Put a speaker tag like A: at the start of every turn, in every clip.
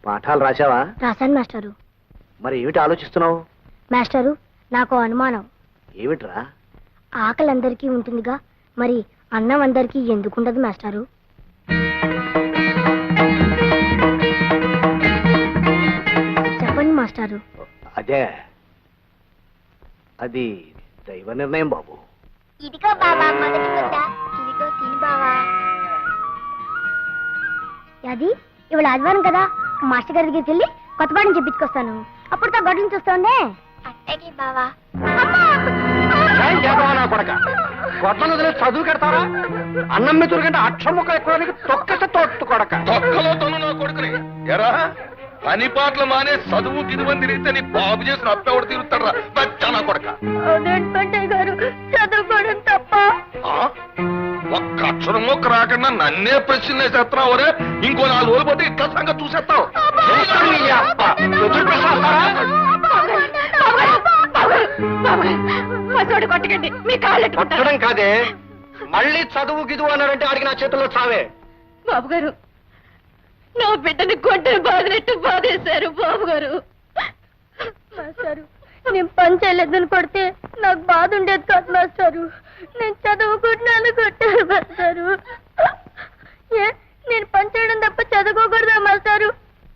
A: పాఠాలు రాశావా?
B: రాశాను మాస్టారు.
A: మరి ఏమిటి ఆలోచిస్తున్నావు?
B: మాస్టారు, నాకు అనుమానం.
A: ఏమిట్రా?
B: ఆకలి అందరికీ ఉంటుందిగా, మరి అన్నం అందరికీ ఎందుకుండదు మాస్టారు? చెప్పండి మాస్టారు.
A: అదే, అది దైవ నిర్ణయం బాబు.
B: ఇదిగో బాబా మొదటి ముద్ద. ఇదిగో తిని బావా. అది ఇవాళ ఆదివారం కదా, మాస్టర్ గారి దగ్గరికి వెళ్ళి కొత్త పాఠం చెప్పించుకొస్తాను. అప్పుడు తా గొడ్లను చూస్తుండే. అట్టకి బావా.
A: గొడ్లను వదిలే చదువు కడతారా? అన్నం మీద కంటే అక్షర ముక్క ఎక్కువ తొక్కస తోట్టు కొడక.
C: తొక్కలో తను నా కొడుకుని ఎరా పని పాటలు మానే చదువు గిదువని తిరిగితే నీ బాబు చేసిన అప్పెవడు తిరుగుతాడరా బచ్చా నా కొడక.
B: గారు చదువుకోవడం తప్ప.
C: ఒక్క అక్షరం మొక్క రాకుండా నన్నే ప్రశ్న వేసేస్తున్నావు రే. ఇంకో 4 రోజులు పోతే ఇట్లా సంగతి చూసేస్తావు.
B: కొట్టకండి, మీ కాళ్ళు
A: కొట్టడం కాదే, మళ్ళీ చదువు గిదువు అన్నారంటే ఆడికి నా చేతుల్లో చావే.
B: బాబు గారు, నా బిడ్డని కొట్టని బాధినట్టు బాధేశారు బాబు గారు. మాస్టారు, నేను పని చేయలేదని కొడితే నాకు బాధ ఉండేది కాదు మాస్టారు. నేను చదువుకుంటున్నాను కొట్టారు మాస్టారు. నేను పని చేయడం తప్ప చదువుకోకూడదా మాస్టారు?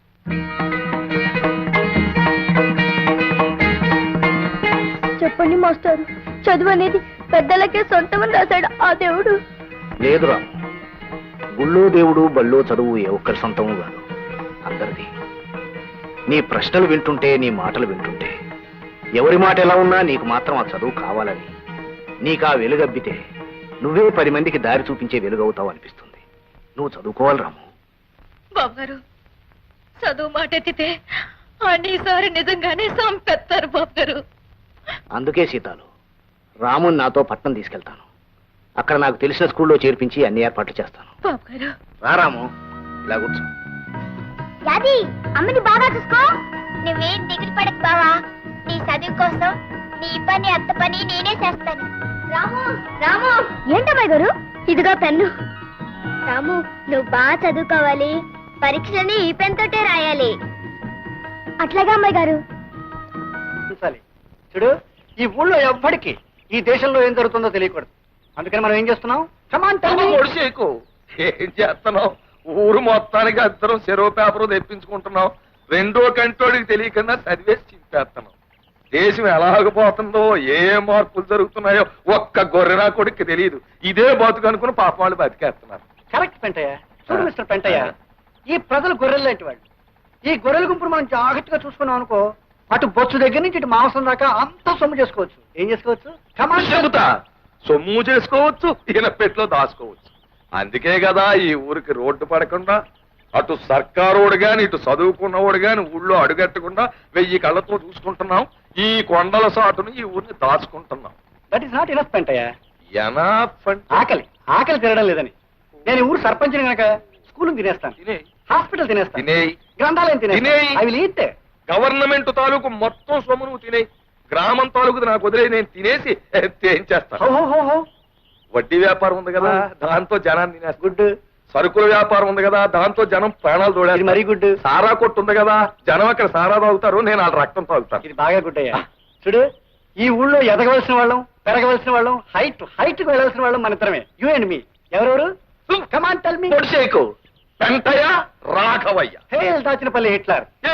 B: చెప్పండి మాస్టారు, చదువు అనేది పెద్దలకే సొంతమని రాశాడు ఆ దేవుడు.
A: లేదురా, గుళ్ళో దేవుడు బళ్ళో చదువు ఏ ఒక్కరి సొంతము కాదు, అందరిది. నీ ప్రశ్నలు వింటుంటే, నీ మాటలు వింటుంటే, ఎవరి మాట ఎలా ఉన్నా నీకు మాత్రం ఆ చదువు కావాలని, నీకు ఆ వెలుగబ్బితే నువ్వే 10 మందికి దారి చూపించే వెలుగవుతావు అనిపిస్తుంది. నువ్వు చదువుకోవాలి రాము.
B: బాబు గారు, చదువు మాట ఎత్తితే అన్నిసారి నిజంగానే సంపెత్తారు బాబు గారు.
A: అందుకే సీతాలు, రాముని నాతో పట్నం తీసుకెళ్తాను. అక్కడ నాకు తెలిసిన స్కూల్లో చేర్పించి అన్ని ఏర్పాట్లు చేస్తాను.
B: బాబు గారు,
A: రా రాము, ఇలా కూర్చో.
B: యాది, అమ్మని బాగా చూసుకో. నువ్వేం దిగులు పడకు బావా. నీ చదువు కోసం నీ పని అత్త పని నేనే చేస్తాను. రాము రాము. ఏంటమ్మాయి గారు? ఇదిగో పెన్ను. రాము, నువ్వు బాగా చదువుకోవాలి. పరీక్షలని ఈ పెన్ తోటే రాయాలి. అట్లాగా అమ్మాయి గారు.
A: చూడు, ఈ ఊళ్ళో ఎవ్వడికి ఈ దేశంలో ఏం జరుగుతుందో తెలియకూడదు. అందుకని మనం ఏం చేస్తున్నాం?
C: ఒడిసేకు ఏం చేస్తున్నావు? ఊరు మొత్తానికి అందరం చెరువు పేపర్ తెప్పించుకుంటున్నాం. 2వ కంటోడికి తెలియకుండా చదివేసి చింపేస్తున్నాం. దేశం ఎలాగపోతుందో, ఏ మార్పులు జరుగుతున్నాయో ఒక్క గొర్రెనా కొడుకు తెలియదు. ఇదే బతుకు అనుకుని పాప వాళ్ళు బతికేస్తున్నారు.
A: కరెక్ట్ పెంటయ్య. చూడు మిస్టర్ పెంటయ్య, ఈ ప్రజలు గొర్రెలు లాంటి వాళ్ళు. ఈ గొర్రెల గుంపును మనం జాగ్రత్తగా చూసుకున్నాం అనుకో, అటు బొచ్చు దగ్గర నుంచి ఇటు మాంసం దాకా అంతా సొమ్ము చేసుకోవచ్చు. ఏం చేసుకోవచ్చు?
C: చెబుతా, సొమ్ము చేసుకోవచ్చు, ఈయన పెట్లో దాచుకోవచ్చు. అందుకే కదా ఈ ఊరికి రోడ్డు పడకుండా అటు సర్కారోడు గాని ఇటు చదువుకున్నవాడు గాని ఊళ్ళో అడుగట్టకుండా 1000 కళ్ళతో చూసుకుంటున్నాం. ఈ కొండల సాటును ఈ ఊరిని దాచుకుంటున్నాం.
A: That is not enough Pentayya.
C: ఆకలి
A: ఆకలి తినడం లేదని నేను ఊరు సర్పంచిని కనుక స్కూల్ తినేస్తాను,
C: తినేయి,
A: హాస్పిటల్ తినేస్తాను,
C: తినేయి,
A: గ్రంథాలయం
C: తినేయి.
A: తినేయి. అవి ఈతే
C: గవర్నమెంట్ తాలూకు మొత్తం సొమ్ము నువ్వు తినేయి. గ్రామం తాలూకు నాకు వదిలే, నేను తినేసి ఏం చేస్తాను? వడ్డీ వ్యాపారం ఉంది కదా, దాంతో జనాన్ని తినేస్తా. గుడ్. సరుకుల వ్యాపారం ఉంది కదా, దాంతో జనం ప్రాణాలు తోడేది. మరీ గుడ్. సారా కొట్టు ఉంది కదా, జనం అక్కడ సారా తాగుతారు, నేను వాళ్ళ రక్తం తాగుతాను.
A: ఇది బాగా గుడ్ అయ్యా. చూడు, ఈ ఊళ్ళో ఎదగవలసిన వాళ్ళం, పెరగవలసిన వాళ్ళం, హైట్ కు వెళ్ళవలసిన వాళ్ళం మన ఇద్దరమే. You and me. ఎవరెవరు? Come on tell me.
C: Pentayya, Raghavayya.
A: Hail Dachinapalli Hitler.